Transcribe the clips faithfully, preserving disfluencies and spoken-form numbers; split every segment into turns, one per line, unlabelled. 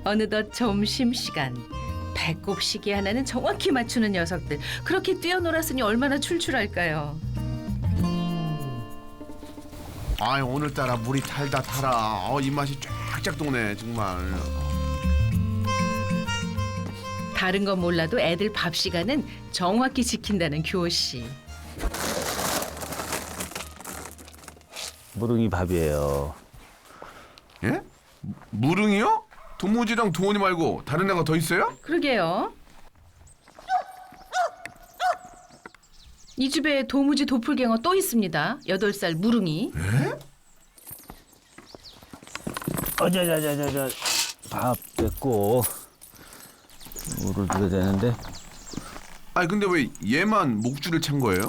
어느덧 점심시간. 배꼽 시계 하나는 정확히 맞추는 녀석들. 그렇게 뛰어놀았으니 얼마나 출출할까요?
아 오늘따라 물이 달다 달아. 어, 입맛이 쫙쫙 도네 정말.
다른 건 몰라도 애들 밥 시간은 정확히 지킨다는 교호 씨.
무릉이 밥이에요.
예? 무릉이요? 도무지랑 도원이 말고 다른 애가 더 있어요?
그러게요. 이 집에 도무지 도플갱어 또 있습니다. 여덟 살 무릉이.
에?
어자자자자자 밥 됐고 물을 줘야 되는데.
아니 근데 왜 얘만 목줄을 찬 거예요?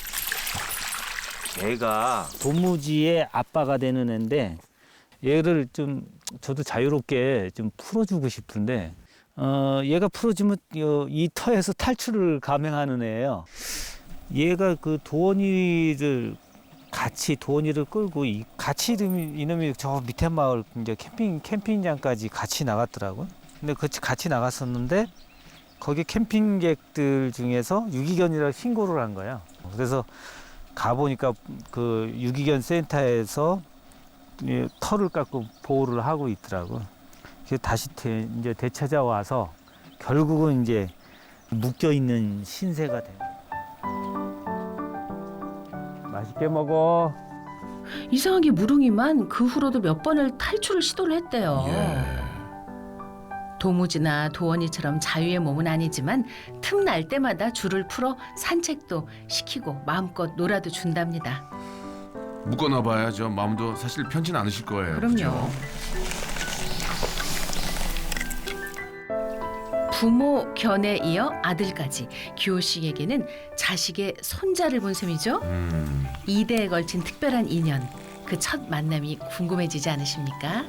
얘가 도무지의 아빠가 되는 애인데 얘를 좀 저도 자유롭게 좀 풀어주고 싶은데 어 얘가 풀어주면 이 터에서 탈출을 감행하는 애예요. 얘가 그 도원이를 같이 도원이를 끌고 이 같이 이놈이, 이놈이 저 밑에 마을 이제 캠핑 캠핑장까지 같이 나갔더라고. 근데 그 같이 나갔었는데 거기 캠핑객들 중에서 유기견이라고 신고를 한 거야. 그래서 가 보니까 그 유기견 센터에서 이 털을 깎고 보호를 하고 있더라고. 그래서 다시 되, 이제 되찾아와서 결국은 이제 묶여 있는 신세가 돼. 맛있게 먹어.
이상하게 무릉이만 그 후로도 몇 번을 탈출을 시도를 했대요.
예.
도무지나 도원이처럼 자유의 몸은 아니지만 틈날 때마다 줄을 풀어 산책도 시키고 마음껏 놀아도 준답니다.
묶어놔봐야죠. 마음도 사실 편치는 않으실 거예요.
그럼요.
그죠?
부모 견에 이어 아들까지 규호 씨에게는 자식의 손자를 본 셈이죠.
음.
이 대에 걸친 특별한 인연. 그 첫 만남이 궁금해지지 않으십니까?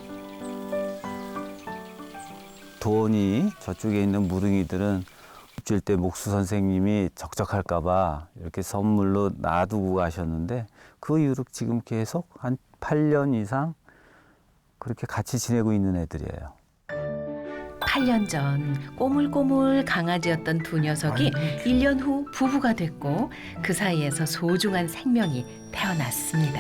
도원이 저쪽에 있는 무릉이들은 입질 때 목수 선생님이 적적할까봐 이렇게 선물로 놔두고 가셨는데 그 이후로 지금 계속 한 팔 년 이상 그렇게 같이 지내고 있는 애들이에요.
팔 년 전 꼬물꼬물 강아지였던 두 녀석이 일 년 후 부부가 됐고 그 사이에서 소중한 생명이 태어났습니다.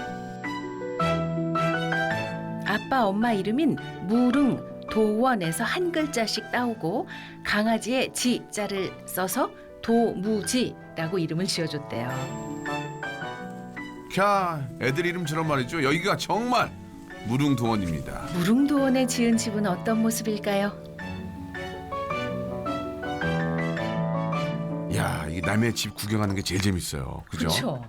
아빠 엄마 이름인 무릉 도원에서 한 글자씩 따오고 강아지의 지자를 써서 도무지라고 이름을 지어줬대요.
캬, 애들 이름처럼 말이죠. 여기가 정말 무릉도원입니다.
무릉도원에 지은 집은 어떤 모습일까요?
야, 이 남의 집 구경하는 게 제일 재밌어요. 그죠?
그렇죠.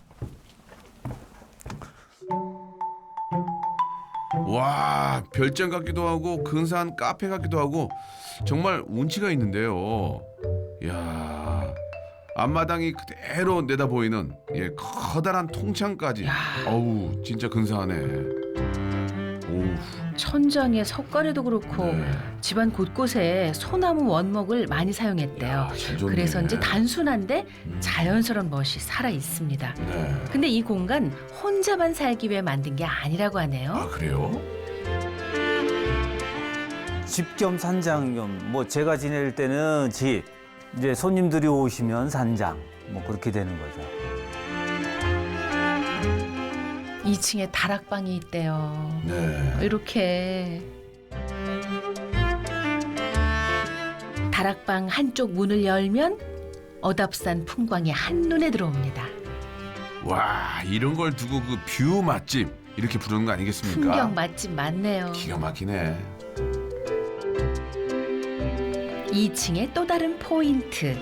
와, 별장 같기도 하고 근사한 카페 같기도 하고 정말 운치가 있는데요. 야, 앞마당이 그대로 내다 보이는 예, 커다란 통창까지. 어우, 진짜 근사하네. 오우.
천장에 석가래도 그렇고
네.
집안 곳곳에 소나무 원목을 많이 사용했대요.
야, 잘 좋네.
그래서인지 단순한데
음.
자연스러운 멋이 살아 있습니다.
네.
근데 이 공간 혼자만 살기 위해 만든 게 아니라고 하네요.
아, 그래요?
집 겸 산장 겸 뭐 제가 지낼 때는 집, 이제 손님들이 오시면 산장 뭐 그렇게 되는 거죠.
이 층에 다락방이 있대요.
네.
이렇게 다락방 한쪽 문을 열면 어답산 풍광이 한눈에 들어옵니다.
와, 이런 걸 두고 그 뷰 맛집 이렇게 부르는 거 아니겠습니까?
풍경 맛집 많네요.
기가 막히네.
이 층의 또 다른 포인트.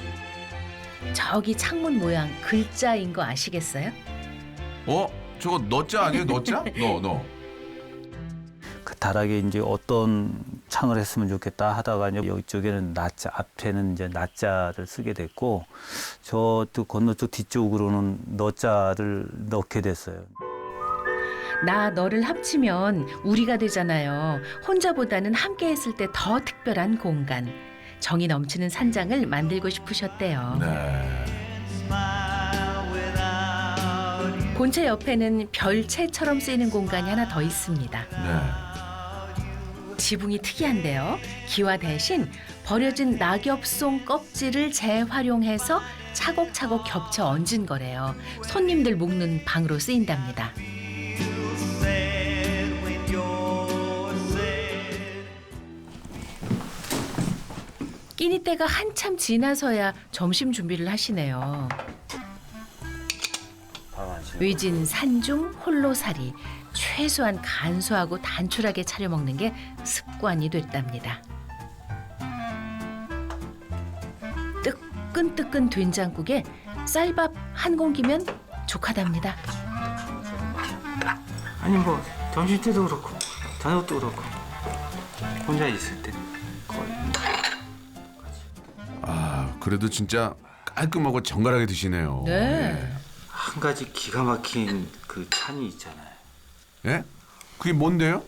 저기 창문 모양 글자인 거 아시겠어요?
어? 저거 너자 아니에요? 너자? 너, 너.
그 다락에 이제 어떤 창을 했으면 좋겠다 하다가 이제 이쪽에는 나자, 앞에는 이제 나자를 쓰게 됐고 저쪽 건너쪽 뒤쪽으로는 너자를 넣게 됐어요.
나 너를 합치면 우리가 되잖아요. 혼자보다는 함께 했을 때 더 특별한 공간. 정이 넘치는 산장을 만들고 싶으셨대요.
네.
본체 옆에는 별채처럼 쓰이는 공간이 하나 더 있습니다.
네.
지붕이 특이한데요. 기와 대신 버려진 낙엽송 껍질을 재활용해서 차곡차곡 겹쳐 얹은 거래요. 손님들 묵는 방으로 쓰인답니다. 끼니 때가 한참 지나서야 점심 준비를 하시네요. 위진 산중 홀로살이, 최소한 간소하고 단출하게 차려 먹는 게 습관이 됐답니다. 뜨끈뜨끈 된장국에 쌀밥 한 공기면 족하답니다.
아니 뭐 점심 때도 그렇고 저녁 때도 그렇고 혼자 있을 때 거의.
아, 그래도 진짜 깔끔하고 정갈하게 드시네요.
네.
한 가지 기가 막힌 그 찬이 있잖아요.
예? 그게 뭔데요?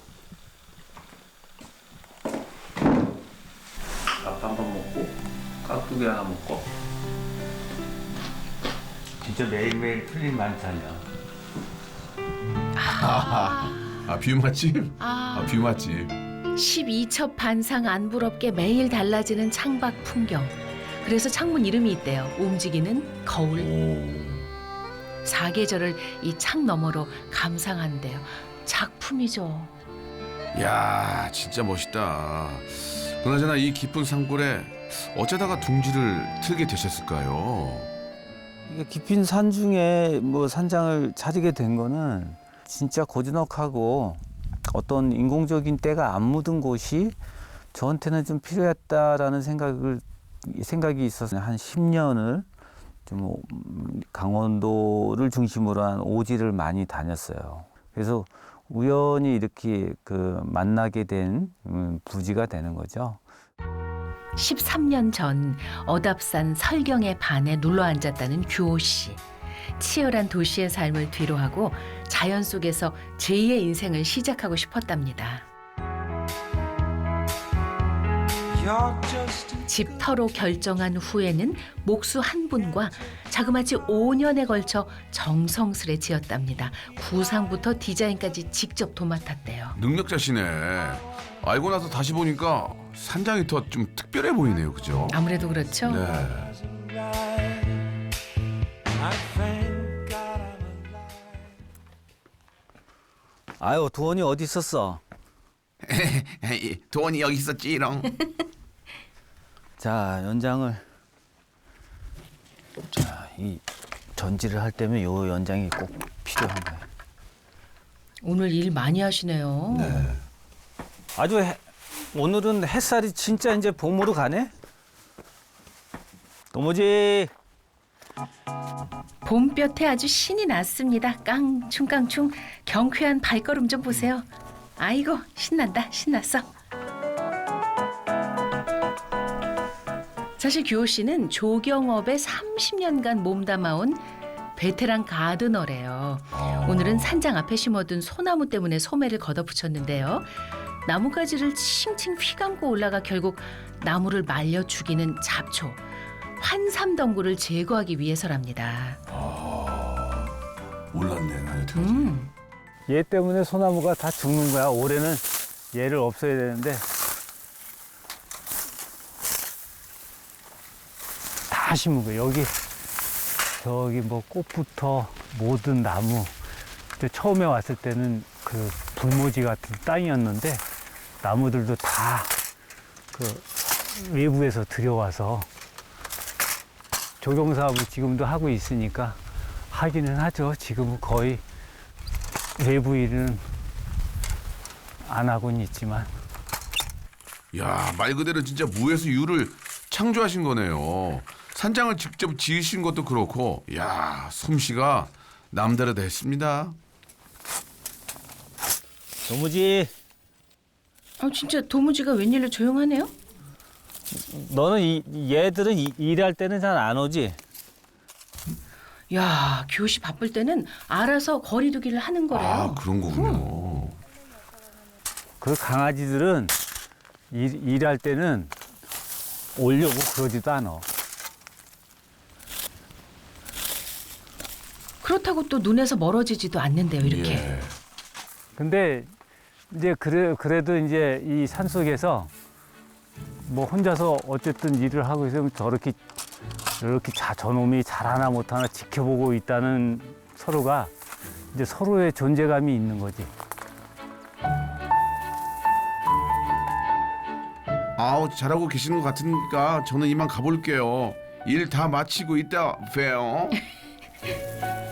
밥 한 번 먹고 깍두기 하나 먹고. 진짜 매일매일 틀린 반찬이야.
아, 뷰 맛집?
아.
아, 뷰 맛집.
십이 첩 반상 안 부럽게 매일 달라지는 창밖 풍경. 그래서 창문 이름이 있대요. 움직이는 거울.
오.
사계절을 이 창 너머로 감상한대요. 작품이죠.
야, 진짜 멋있다. 그나저나 이 깊은 산골에 어쩌다가 둥지를 틀게 되셨을까요?
이게 깊은 산 중에 뭐 산장을 찾게 된 거는 진짜 고즈넉하고 어떤 인공적인 때가 안 묻은 곳이 저한테는 좀 필요했다라는 생각을 생각이 있어서 한 십 년을 좀 강원도를 중심으로 한 오지를 많이 다녔어요. 그래서 우연히 이렇게 그 만나게 된 부지가 되는 거죠.
십삼 년 전 어답산 설경의 반에 눌러 앉았다는 규호 씨. 치열한 도시의 삶을 뒤로하고 자연 속에서 제이의 인생을 시작하고 싶었답니다. 집터로 결정한 후에는 목수 한 분과 자그마치 오 년에 걸쳐 정성스레 지었답니다. 구상부터 디자인까지 직접 도맡았대요.
능력자시네. 알고 나서 다시 보니까 산장이 더 좀 특별해 보이네요. 그죠?
아무래도 그렇죠.
네.
아유, 도원이 어디 있었어?
돈이 여기 있었지롱.
자, 연장을 자, 이 전지를 할 때면 요 연장이 꼭 필요한 거예요.
오늘 일 많이 하시네요.
네.
아주 해, 오늘은 햇살이 진짜 이제 봄으로 가네. 도무지
봄볕에 아주 신이 났습니다. 깡충깡충 경쾌한 발걸음 좀 보세요. 아이고 신난다 신났어. 사실 규호 씨는 조경업에 삼십 년간 몸담아온 베테랑 가드너래요. 오늘은 산장 앞에 심어둔 소나무 때문에 소매를 걷어붙였는데요. 나뭇가지를 칭칭 휘감고 올라가 결국 나무를 말려 죽이는 잡초, 환삼덩굴을 제거하기 위해서랍니다.
아, 몰랐네. 나는 어떻게 하지?
음.
얘 때문에 소나무가 다 죽는 거야. 올해는 얘를 없애야 되는데 다 심은 거야. 여기 저기 뭐 꽃부터 모든 나무. 그때 처음에 왔을 때는 그 불모지 같은 땅이었는데 나무들도 다 그 외부에서 들여와서 조경 사업을 지금도 하고 있으니까 하기는 하죠. 지금은 거의 외부 일은 안 하고는 있지만.
야, 말 그대로 진짜 무에서 유를 창조하신 거네요. 산장을 직접 지으신 것도 그렇고, 야, 솜씨가 남다르다 했습니다.
도무지,
아 진짜 도무지가 웬일로 조용하네요?
너는 이, 얘들은 이, 일할 때는 잘 안 오지?
야, 규호 씨 바쁠 때는 알아서 거리두기를 하는 거래요.
아, 그런 거군요.
그 강아지들은 일, 일할 때는 오려고 그러지도 않아.
그렇다고 또 눈에서 멀어지지도 않는데요, 이렇게.
예.
근데 이제 그래 그래도 이제 이 산속에서 뭐 혼자서 어쨌든 일을 하고 있으면 저렇게 이렇게 자 저놈이 잘하나 못하나 지켜보고 있다는 서로가 이제 서로의 존재감이 있는 거지.
아우 잘하고 계시는 것 같으니까 저는 이만 가볼게요. 일 다 마치고 이따 봬요.